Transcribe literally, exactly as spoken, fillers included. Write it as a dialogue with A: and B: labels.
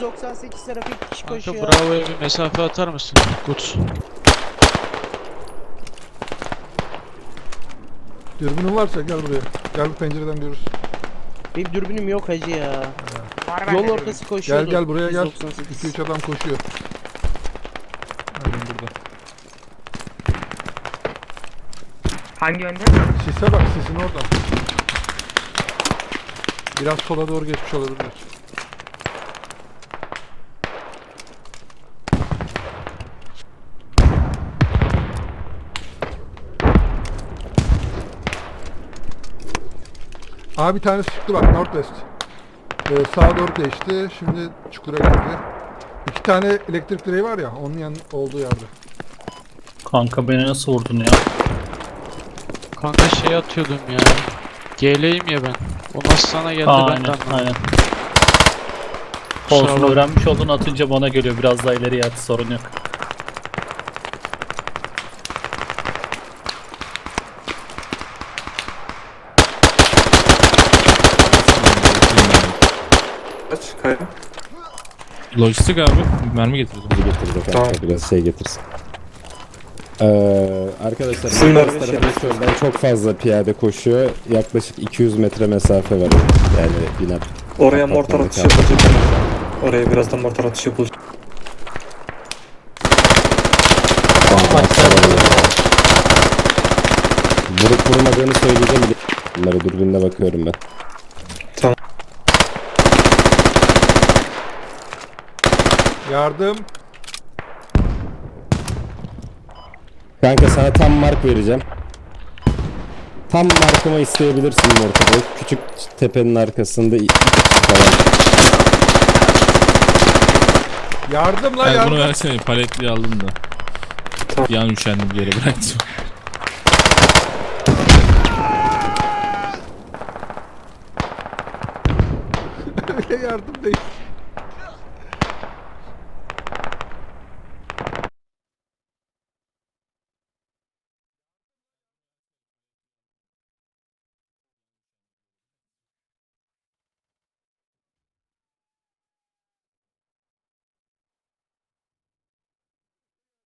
A: doksan sekiz tarafı iki kişi
B: Kanka
A: koşuyor.
B: Bravo'ya bir mesafe atar mısın? Gut.
C: Dürbünün varsa gel buraya. Gel bu pencereden görürüz.
A: Benim dürbünüm yok hacı ya.
D: Var
A: Yol
D: bende
A: ortası
C: Gel
A: koşuyordu.
C: gel buraya gel.
A: yüz doksan sekiz.
C: iki üç adam koşuyor. Aynen burada.
D: Hangi yönde?
C: Sise bak, sisin oradan. Biraz sola doğru geçmiş olabilirler. Abi bir tanesi çıktı bak, Northwest. Ee, sağa doğru geçti. Şimdi çukura girdi. İki tane elektrik direği var ya, onun yan olduğu yerde.
E: Kanka beni nasıl vurdun ya?
B: Kanka şey atıyordum ya. G L'yim ya ben. O nasıl sana geldi ben de
E: Aynen
B: anlamadım.
E: aynen.
B: Kusura
E: Olsun,
B: bakma.
E: öğrenmiş oldun, atınca bana geliyor, biraz daha ileriye at, sorun yok.
F: Kaç kaya?
G: Lojistik abi. Mermi getirdim.
H: Bizi getirdi kanka,
F: Tamam.
H: biraz şey getirsin. Ee, arkadaşlar
F: Suyun
H: Marmaris
F: vermiş
H: tarafı çölden çok fazla piyade koşuyor. Yaklaşık iki yüz metre mesafe var. Yani biner.
F: Oraya mortar
H: Apartmanda
F: atışı
H: kaldı.
F: yapılacak. Oraya birazdan mortar atışı yapılacak.
H: Vurup vurmadığını söyleyeceğim. Bunları dürbünle bakıyorum ben.
C: Yardım.
H: Kanka sana tam mark vereceğim. Tam markımı isteyebilirsin ortada. Küçük tepenin arkasında iki kişi falan.
C: Yardım lan
G: Yani
C: yardım.
G: bunu versene, paletliği aldım da. Bir an üşendim, bir yere bıraktım.
C: Öyle yardım değil.